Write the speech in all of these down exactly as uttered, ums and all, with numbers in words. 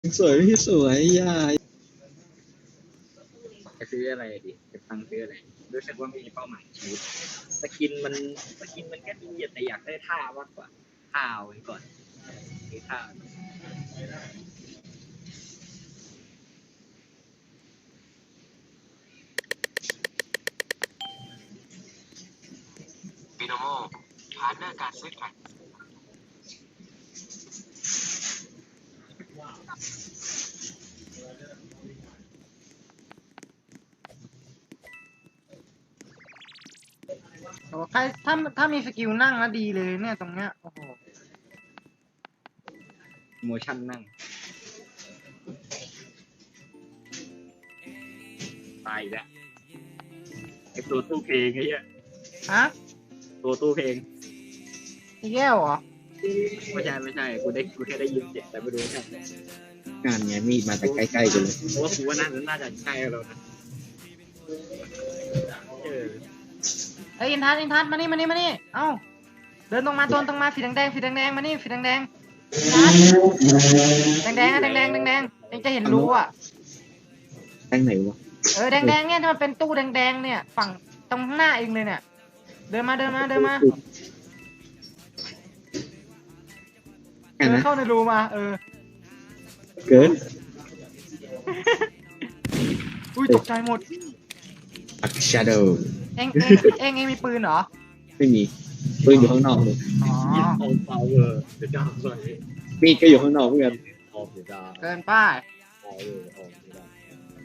สวยพี่สวยยายจะซื้ออะไรดิจะตังค์ซื้ออะไรรู้สึกว่ามีเป้าหมายชีวิตสกินมันสกินมันแค่ดีแต่อยากได้ท่ามากกว่าท่าเอาไว้ก่อนซื้อท่าบิโนโมพาร์ทเนอร์การซื้อขายโอ้ใครถ้าถ้ามีสกิลนั่งนะดีเลยเนี่ยตรงเนี้ยโอ้โหโมชั่นนั่งตายอีกแล้วไอตัวตู้เพลงไอ้เหี้ยฮะตัวตู้เพลงอีแก้วเหรอไม่ใช่ไม่ใช่กูได้กูแค่ได้ยินเสียงแต่ไม่รู้ใช่งานไงมีดมาแต่ใกล้ๆกันเลยเพราะว่ากูว่าน่าจะน่าจะใช่แล้วนะเออเอ้ยอินทัศน์อินทัศน์มานี่มานี่มานี่เอ้าเดินตรงมาตรงตรงมาสีแดงแดงสีแดงแดงมานี่สีแดงแดงอินทัศน์แดงแดงอะแดงแดงแดงแดงเองจะเห็นรู้อ่ะตั้งไหนวะเออแดงแดงเนี่ยที่มันเป็นตู้แดงแดงเนี่ยฝั่งตรงข้างหน้าเองเลยเนี่ยเดินมาเดินมาเดินมาแค่เดินนะเข้าในรูมาเออเกินอุ้ยตกใจหมดอักชาโดว์เองเองเองเองมีปืนเหรอไม่มีปืนอยู่ข้างนอกเลยอ๋อยิงเอาเปล่าเวอร์เดี๋ยวจะเอาเลยมีดก็อยู่ข้างนอกเพื่อนออกเดี๋ยวจะเกินป้ายเอาเลยออกเดี๋ยวจะ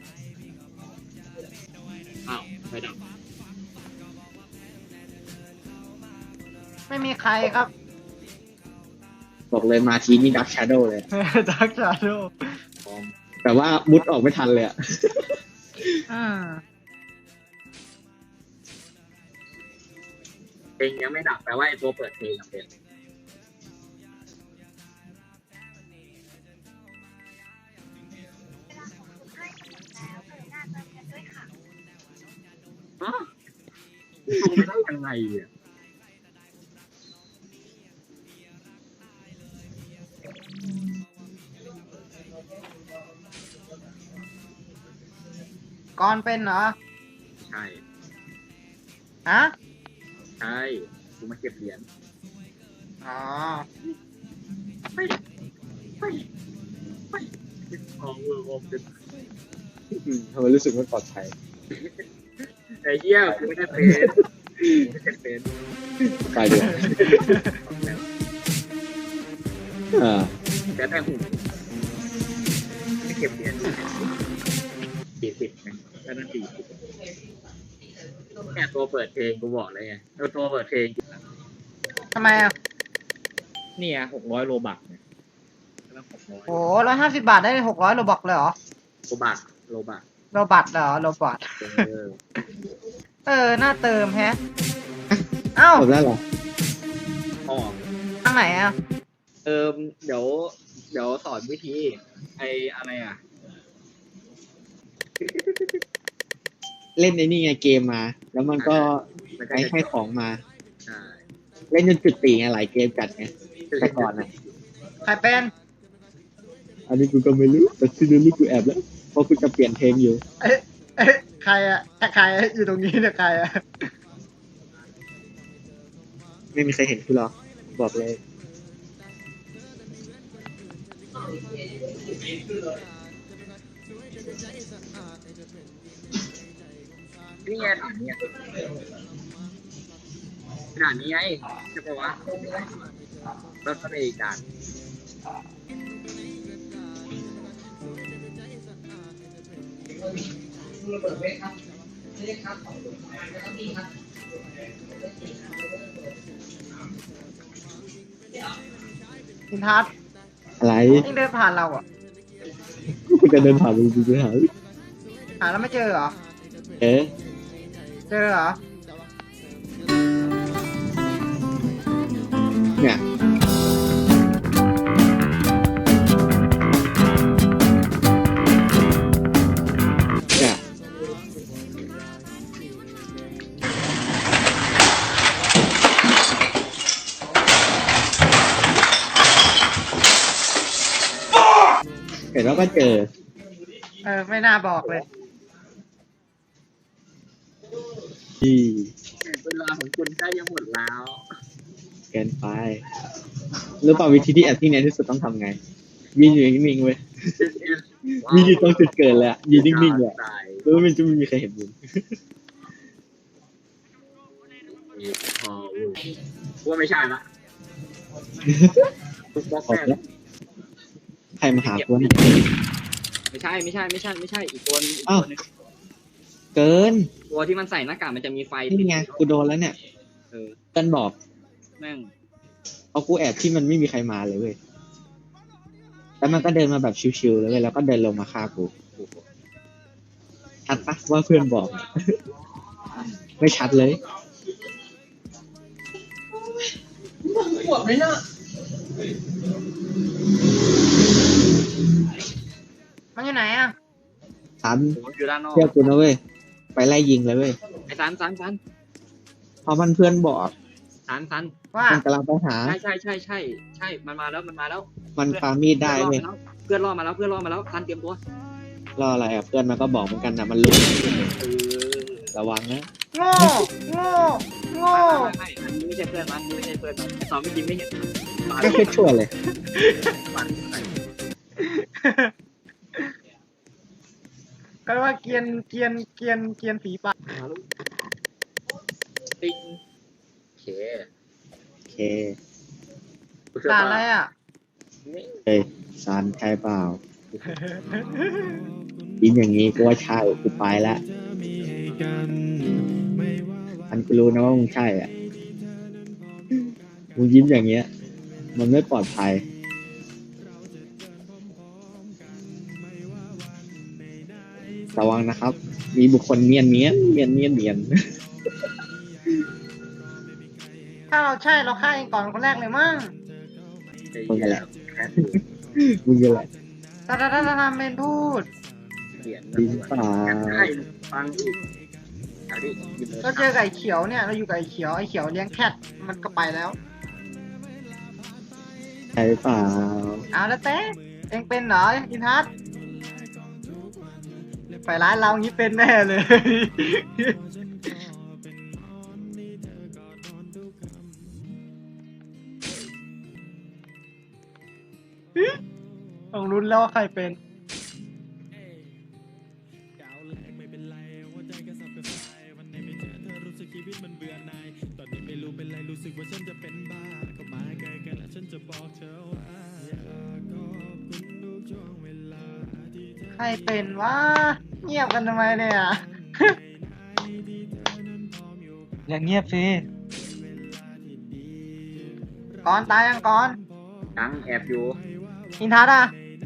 อ้าวไม่ดับไม่มีใครครับบอกเลยมาทีนี่ดักชาโดว์เลยดักชาโดพร้อมแต่ว่ามุดออกไม่ทันเลยอะอืมเพลงยังไม่ดับแปลว่าไอ้ตัวเปิดเพลงอะเป็นฮะทำไม่ได้ยังไงอ่ะก่อนเป็นเหรอใช่ฮะใช่กูมาเก็บเหรียญอ๋อไม่ไม่ไม่ออกเวอร์ออกเป็นอืมทำไมรู้สึกไม่ปลอดภัยไอ้เหี้ยกูไม่ได้เป็นกูไม่ได้เป็นไปเดี๋ยวอ่าแต่แต่หูไม่เก็บเหรียญสี่สิบนะแล้วนั่นสี่สิบเนี่ยตัวเปิดเพลงกูบอกเลยไงเออตัวเปิดเพลงทำไมอ่ะเนี่ยหกร้อยโลบักเนี่ยแล้วหกร้อยโอ้ร้อยห้าสิบบาทได้หกร้อยโลบอกเลยเหรอโลบักโลบักโลบัตเหรอโลบัตเออเออ น่าเติมแฮะ เอ้าจบแล้วเหรอออกทางไหนอ่ะเออเดี๋ยว เดี๋ยวสอนวิธี ไออะไรอ่ะเล่นในนี่ไงเกมมา แล้วมันก็มันก็ให้จะให้ของมาใช่เล่นจนจุดตีไงหลายเกมจัดไงแต่ก่อนนะใครเป็นอันนี้กูก็ไม่รู้แต่ที่รู้กูแอบแล้วเพราะกูจะเปลี่ยนเพลงอยู่เอ๊ะเอ๊ะใครอ่ะใครอยู่ตรงนี้เนี่ยใครอ่ะไม่มีใครเห็นกูหรอกบอกเลยนี่ไงถามเนี่ยด่านนี้ไงใช่ปะวะรถก็ไปอีกด่านอินทัศน์อะไรนี่เดินผ่านเราอ่ะกูจะเดินผ่านมึงกูจะหาหาแล้วไม่เจอเหรอเอ๊ะเจอเหรอเนี่ยเนี่ย เห็นว่าก็เจอเออไม่น่าบอกเลยที่เวลาของคุณใกล้จะหมดแล้วเกินไปรู้เปล่าวิธีที่แอดที่เนี้ยที่สุดต้องทำไงยืนอยู่นิ่งๆเว้ย มีอยู่ตรงจุดเกิดเลยอะยืนนิ่งๆเลยอะแล้วมันจะไม่มีใครเห็นมึงพอว่าไม่ใช่ละตุ๊กบล็อกออกแน่แล้วใครมาหากูเนี่ยไม่ใช่ไม่ใช่ไม่ใช่ไม่ใช่อีกตัวนึงอีกอ้าวตัวนึงเกินตัวที่มันใส่หน้ากากมันจะมีไฟนี่ไงกูโดนแล้วเนี่ยเออเต้นบอกแม่งเอากูแอบที่มันไม่มีใครมาเลยเว้ยแล้วมันก็เดินมาแบบชิวๆเลยเว้ยแล้วก็เดินลงมาฆ่ากูชัดปะว่าเพื่อนบอก ไม่ชัดเลยมันอยู่ไหนอ่ะสันผมอยู่ด้านนอกเชื่อกูนะเว้ยไปไล่ยิงเลยเว้ยไอ้ซันซันซันเพราะมันเพื่อนบอกซันซันว่ามันกำลังไปหาใช่ใช่ใช่ใช่ใช่มันมาแล้วมันมาแล้วมันปามีดได้เว้ยเพื่อนรอดมาแล้วเพื่อนรอดมาแล้วซันเตรียมตัวรออะไรอ่ะเพื่อนมันก็บอกเหมือนกันนะมันรู้เออระวังนะโง่โง่โง่ไม่ไม่อันนี้ไม่ใช่เพื่อนมันอันนี้ไม่ใช่เพื่อนมันสองไม่อกินไม่เห็นไม่ค่อยชั่วเลยก็ว่าเกรียนเกรียนเกรียนเกรียนฝีปากติ๊งโอเคโอเคด่าอะไรอ่ะเฮ้ยซันใช่เปล่ายิ้มอย่างนี้กูว่าใช่กูไปละอันกูรู้นะว่ามึงใช่อ่ะมึงยิ้มอย่างเงี้ย มันไม่ปลอดภัยระวังนะครับ มีบุคคลเนียนเนียนเนียนเนียนเนียนถ้าเราใช่เราฆ่าเองก่อนคนแรกเลยมั้งมึงกันแหละแคสอยู่มึงกันแหละตาตาตาตาตาเมนพูดเขียนจริงเปล่าใช่ฟังอีกเอาดิหยิบมือเราเจอไก่เขียวเนี่ยเราอยู่กับไอ้เขียวไอ้เขียวเลี้ยงแคทมันก็ไปแล้วใช่เปล่าเอาแล้วเต้เองเป็นเหรออินทัศน์ไปร้านเรางี้เป็นแน่เลย ต้องรุ้นแล้วว่าใครเป็น ใครเป็นวะเงียบกันทำไมเนี่ย อย่างเงียบสิก่อนตายยังก่อนตังแอบอยู่อินทัศน์อ่ะ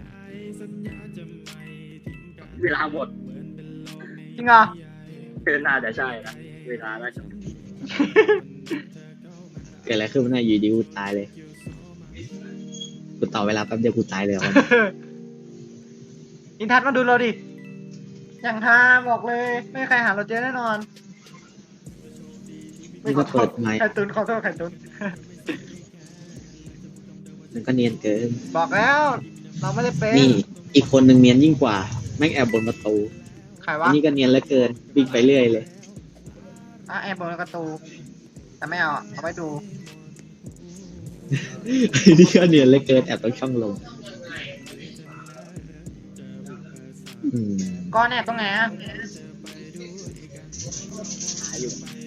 เวลาหมดจริงเหรอเกินน่าจะใช่นะเวลาน่าจะเกิดอะไรขึ้นมันน่าอยู่ดีกูตายเลยกูต่อเวลาแป๊บเดียวกูตายเลยอินทัศน์มาดูเราดิ อย่างฮาบอกเลย ไม่มีใครหาเราเจอแน่นอนนี่ก็เปิดไมค์ไข่ตุนขอโทษไข่ตุนมันก็เนียนเกินบอกแล้ว เราไม่ได้เป็นนี่อีกคนหนึ่งเนียนยิ่งกว่าแม่งแอบบนประตูใครอัวะนนี้ก็เนียนเหลือเกินวิ่งไปเรื่อยเลยอ่ะแอบบนประตู แต่ไม่เอาอะเอาไปดูอันนี้ก็เนียนเหลือเกินแอบตรงช่องลมอืมก้อนแอบตรงไหนอ่ะหาอยู่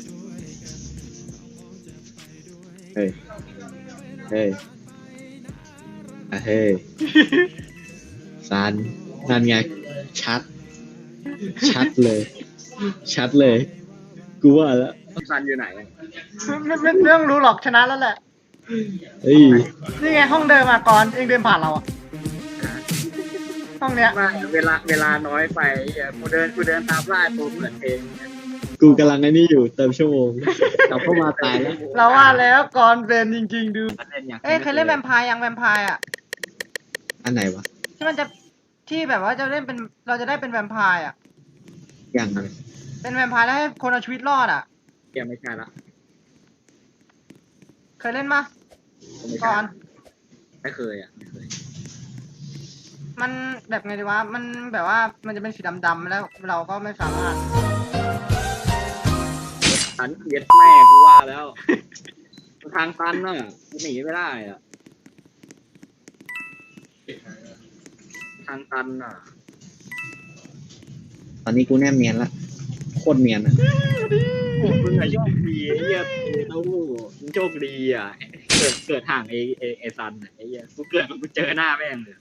เฮ้ยเฮ้ยอ่ะเฮ้ยซันนั่นไงชัด ชัดเลย ชัดเลย กูว่าแล้วซันอยู่ไหนไม่ไม่ไม่ต้องรู้หรอกชนะแล้วแหละเฮ้ยนี่ไงห้องเดิมมาก่อนเองเดินผ่านเราอะห้องเนี้ยว่าเวลาเวลาน้อยไปเหี้ยกูเดินกูเดินตามล่าตัวเหมือนเองกูกำลังไอ้นี่อยู่เติมชั่วโมงกลับเข้ามาตายแล้วเราว่าแล้วก่อนเป็นจริงๆดูมันเล่นอย่างเอ้ยเคยเล่นแวมไพร์ยังแวมไพร์อะอันไหนวะที่มันจะที่แบบว่าจะเล่นเป็นเราจะได้เป็นแวมไพร์อะอย่างไรเป็นแวมไพร์แล้วให้คนเอาชีวิตรอดอะยังไม่ใช่ละเคยเล่นปะไม่ใช่ก่อนไม่เคยอ่ะไม่เคยมันแบบไงดีวะมันแบบว่ามันจะเป็นสีดำๆแล้วเราก็ไม่สามารถตันเย็ดแม่กูว่าแล้วทางตันน่ะกูหนีไม่ได้อ่ะทางตันอ่ะตอนนี้กูแนบเนียนละโคตรเนียนอะโอ้มึงอะโชคดีไอ้เหี้ยเต้าหู้มึงโชคดีอ่ะเกิดเกิดห่างไอ้ไอ้ไอ้ซันอ่ะไอ้เหี้ยกูเกิดมากูเจอหน้าแม่งเลย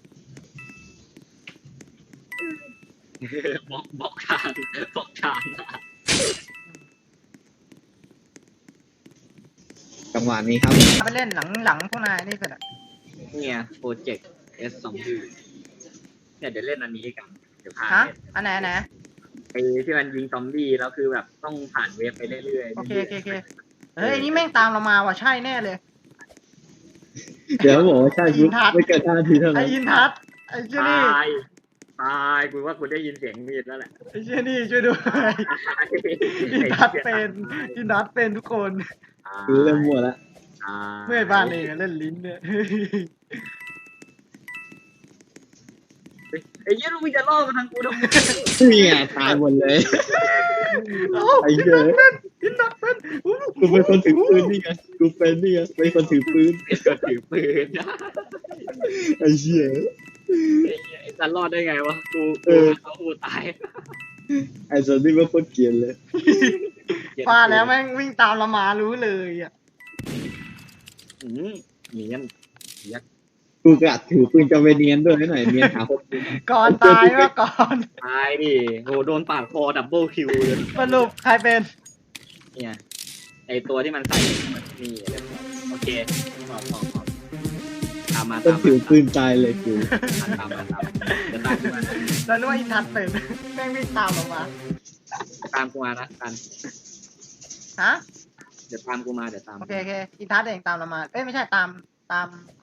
บล็อกบล็อกทางบล็อกทางจังหวะนี้ครับไปเล่นหลังหลังพวกนายนี่เสร็จอะเนี่ยโปรเจกต์ เอส สอง เนี่ยเดี๋ยวเล่นอันนี้กันเดี๋ยวพาฮะเล่นอันไหนอันไหนไอ้ที่มันยิงซอมบี้แล้วคือแบบต้องผ่านเวฟไปเรื่อยๆโอเคโอเคโอเคเฮ้ยอันนี้แม่งตามเรามาว่ะใช่แน่เลยเดี๋ยวบอกว่าใช่ปุ๊บอินทัศน์ไม่เกินห้านาทีเท่าไอนั้นอินทัศน์ไอเชี่ยนี่ตายตายกูว่ากูได้ยินเสียงมีดแล้วแหละไอเชี่ยนี่ช่วยด้วยอินทัศน์เป็นอินทัศน์เป็นทุกคนคือเริ่มมั่วแล้วตายเมื่อยบ้านเองอะเล่นลิ้นเนี่ยไอ้เหี้ยลูกมึงจะล่อมาทางกูทำไมนี่ไงตายหมดเลยเอ้าไอ้เหี้ยอินทัศน์เป็นอู้กูเป็นคนถือปืนนี่ไงกูเป็นนี่ไงเป็นคนถือปืนก็ถือปืนนะไอ้เหี้ยไอ้เหี้ยไอ้สันรอดได้ไงวะกูเอกูอเขากูตายไอ้สันนี่ว่าโคตรเกลียนเลยว่าแล้วแม่งวิ่งตามเรามารู้เลยอ่ะอืมเนียนยักษ์กูกะถือปืนจะไปเนียนด้วยให้หน่อยเนียนหาคนปืนก่อนตายว่าก่อนตายดิโหโดนปาดคอดับเบิลคิวเลยสรุปใครเป็นเนี่ยไอตัวที่มันใส่นี่โอเคพอพอพอตามมาต้อตาง มถือมาปืนตายเลยกูตามมาตามมาเดี๋ยวตามกูมาแล้วนึกว่าอินทัศน์เป็นแม่งวิ่งตามเรามาตามกูมานะกันฮะเดี๋ยวตามกูมาเดี๋ยวตามโอเคโอเคอินทัศน์เองตามเรามาเอ้ยไม่ใช่ตามตาม